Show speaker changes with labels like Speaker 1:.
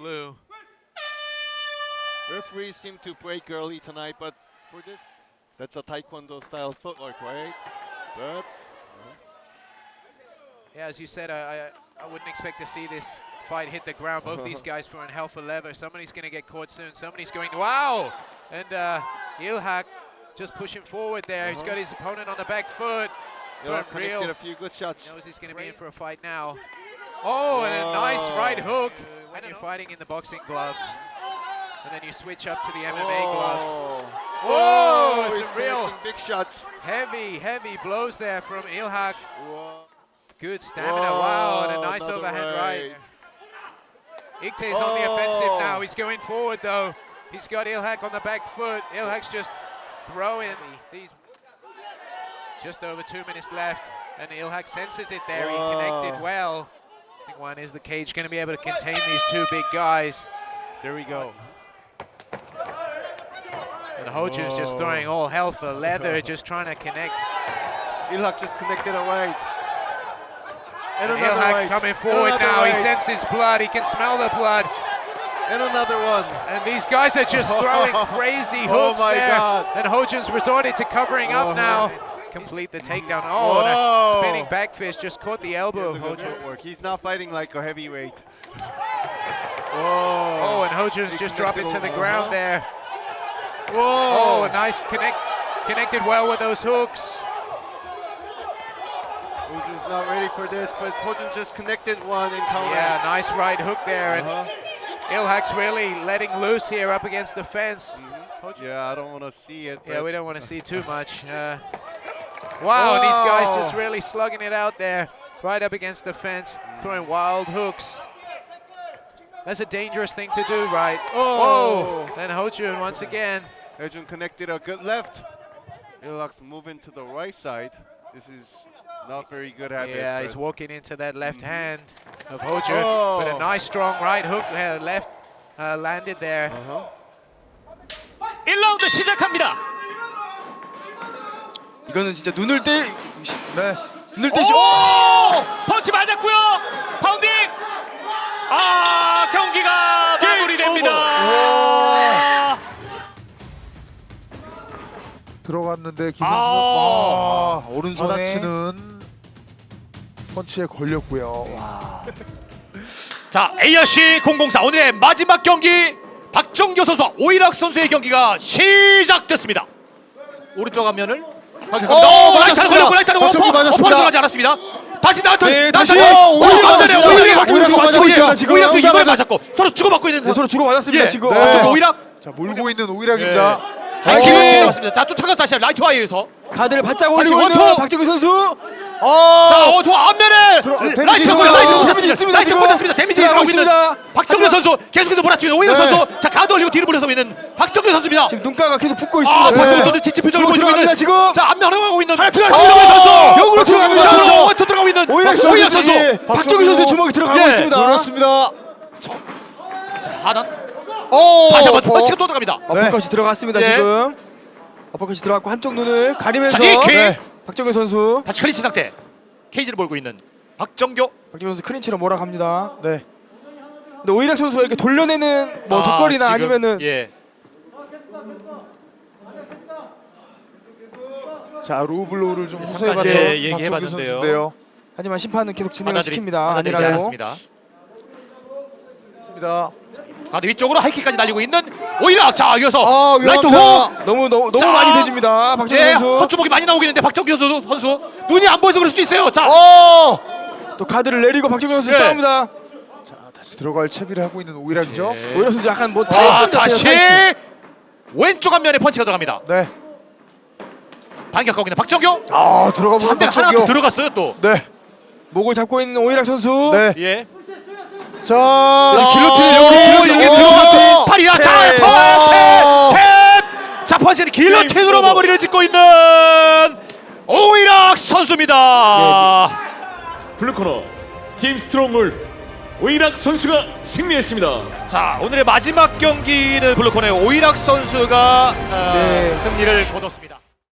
Speaker 1: blue.
Speaker 2: Referees seem to break early tonight, but for this, that's a Taekwondo style footwork, right? But
Speaker 1: Yeah, as you said, I wouldn't expect to see this fight hit the ground. Both these guys throwing hell for leather. Somebody's going to get caught soon. Somebody's going, wow! And Ilhak just pushing forward there. He's got his opponent on the back foot.
Speaker 2: Ilhak connected a few good shots.
Speaker 1: Knows he's going to be in for a fight now. Oh, and a nice right hook. When you're fighting in the boxing gloves, and then you switch up to the MMA gloves. Whoa!
Speaker 2: He's
Speaker 1: Some real
Speaker 2: big shots.
Speaker 1: heavy blows there from Ilhak.
Speaker 2: Whoa.
Speaker 1: Good stamina, wow, and a nice
Speaker 2: another
Speaker 1: overhand right. Ikte's on the offensive now. He's going forward though. He's got Ilhak on the back foot. Ilhak's just throwing these. Just over 2 minutes left, and Ilhak senses it there. He connected well. I think one is the cage going to be able to contain these two big guys. There we go. And Hojun's just throwing all hell for leather, just trying to connect.
Speaker 2: Ilhak just connected a right.
Speaker 1: And Ilhak's coming forward now. He senses blood. He can smell the blood.
Speaker 2: And another one.
Speaker 1: And these guys are just throwing crazy hooks there.
Speaker 2: God.
Speaker 1: And Hojun's resorted to covering up now. Complete the takedown. Oh, and a spinning back fist just caught the elbow of Hojun.
Speaker 2: He's not fighting like a heavyweight.
Speaker 1: Oh, and Hojun's just dropping to the ground there.
Speaker 2: Whoa.
Speaker 1: Oh, nice connected well with those hooks.
Speaker 2: Hojun's not ready for this, but Hojun just connected one and counter.
Speaker 1: Yeah, nice right hook there. And Ilhak's really letting loose here up against the fence.
Speaker 2: Yeah, I don't want to see it.
Speaker 1: Yeah, we don't want to see too much. Wow, and these guys just really slugging it out there, right up against the fence, throwing wild hooks. That's a dangerous thing to do, right? Oh, and Hojun once again.
Speaker 2: Hojun connected a good left. Ilhak's moving to the right side. This is not very good habit.
Speaker 1: Yeah, he's walking into that left hand of Hojun, but a nice strong right hook left landed there.
Speaker 3: 1라운드 시작합니다.
Speaker 4: 이거는 진짜 눈을 떼. 네. 눈을
Speaker 3: 오!
Speaker 4: 떼시.
Speaker 3: 펀치 맞았고요. 파운딩. 아, 경기가 마무리됩니다.
Speaker 5: 들어갔는데 김선수 오른손에 받아치는 펀치에 걸렸고요.
Speaker 3: 자, ARC 004 오늘의 마지막 경기 박정교 선수와 오일학 선수의 경기가 시작됐습니다. 오른쪽 앞면을 라이트는 걸렸고 라이트는 어퍼 들어가지 않았습니다. 다시 나한테
Speaker 4: 네, 다시
Speaker 3: 오일학도 이번에 맞았고 서로 주고받고 있는데
Speaker 4: 서로 주고 받았습니다 지금.
Speaker 3: 박정교 오일학.
Speaker 5: 자, 몰고 있는 오일학입니다.
Speaker 3: 기분이 들어갔습니다. 자, 쫓아가서 다시 라이트 와이에서
Speaker 4: 가드를 바짝 올리고 있는
Speaker 3: 원투!
Speaker 4: 박정규 선수.
Speaker 3: 자, 원투 앞면에 라이트고요.
Speaker 4: 데미지 있습니다.
Speaker 3: 라이트 꽂았습니다. 데미지 들어가고 있는 박정규 선수 계속해서 몰아치는 오일학 선수. 자, 가드 올리고 뒤로 물러서고 있는 박정규 선수입니다.
Speaker 4: 지금 눈가가 계속 붓고 있습니다.
Speaker 3: 벌써부터 지친 표정을 보여주고 있는
Speaker 4: 지금.
Speaker 3: 자, 앞면 흘러가고 있는
Speaker 4: 하나
Speaker 3: 박정규
Speaker 4: 들어갔습니다.
Speaker 3: 선수.
Speaker 4: 역으로 들어갑니다.
Speaker 3: 역으로 원투 들어가고 있는
Speaker 4: 오일학
Speaker 3: 선수.
Speaker 4: 박정규 선수의 주먹이 들어가고 있습니다.
Speaker 5: 그렇습니다.
Speaker 3: 자, 하단. 다시 한번 펀치가 또 들어갑니다.
Speaker 4: 어퍼컷이 들어갔습니다 지금. 어퍼컷이 들어갔고 한쪽 눈을 가리면서 박정규 선수.
Speaker 3: 다시 클린치 상태. 케이지를 몰고 있는 박정교.
Speaker 4: 박정규 선수 클린치로 몰아갑니다. 네. 근데 오일학 선수가 이렇게 돌려내는 뭐 덧거리나
Speaker 3: 지금,
Speaker 4: 아니면은
Speaker 5: 자, 로블로우를 좀
Speaker 3: 잠깐,
Speaker 5: 호소해봤던
Speaker 3: 얘기해봤는데요.
Speaker 5: 박정규 선수인데요.
Speaker 4: 하지만 심판은 계속 진행을 시킵니다.
Speaker 3: 받아들이지
Speaker 4: 아니라고.
Speaker 3: 않았습니다. 가드 위쪽으로 하이킥까지 날리고 있는 오일학. 자, 이어서 라이트
Speaker 5: 위험합니다.
Speaker 3: 훅.
Speaker 4: 너무
Speaker 3: 자,
Speaker 4: 많이 대줍니다. 박정규 선수.
Speaker 3: 헛주먹이 많이 나오고 있는데 박정규 선수 눈이 안 보여서 그럴 수도 있어요. 자,
Speaker 4: 또 가드를 내리고 박정규 선수 싸웁니다.
Speaker 5: 자, 다시 들어갈 채비를 하고 있는 오일학이죠.
Speaker 4: 오일학 선수 약간 뭐 타이슨 같아요.
Speaker 3: 다시
Speaker 4: 타이슨.
Speaker 3: 왼쪽 앞면에 펀치가 들어갑니다.
Speaker 5: 네.
Speaker 3: 반격하고 있는 박정규.
Speaker 5: 들어가
Speaker 3: 한 대가 하나 더 들어갔어요 또.
Speaker 5: 네.
Speaker 4: 목을 잡고 있는 오일학 선수.
Speaker 5: 네.
Speaker 3: 예.
Speaker 5: 자,
Speaker 4: 길로틴을
Speaker 3: 이게 들어갔대. 팔이야. 자, 탭. 자, 펀치는 길로틴으로 마무리를 짓고 있는 오일학 선수입니다.
Speaker 6: 블루코너 팀 스트롱물 오일학 선수가 승리했습니다.
Speaker 3: 자, 오늘의 마지막 경기는 블루코너의 오일학 선수가 승리를 거뒀습니다.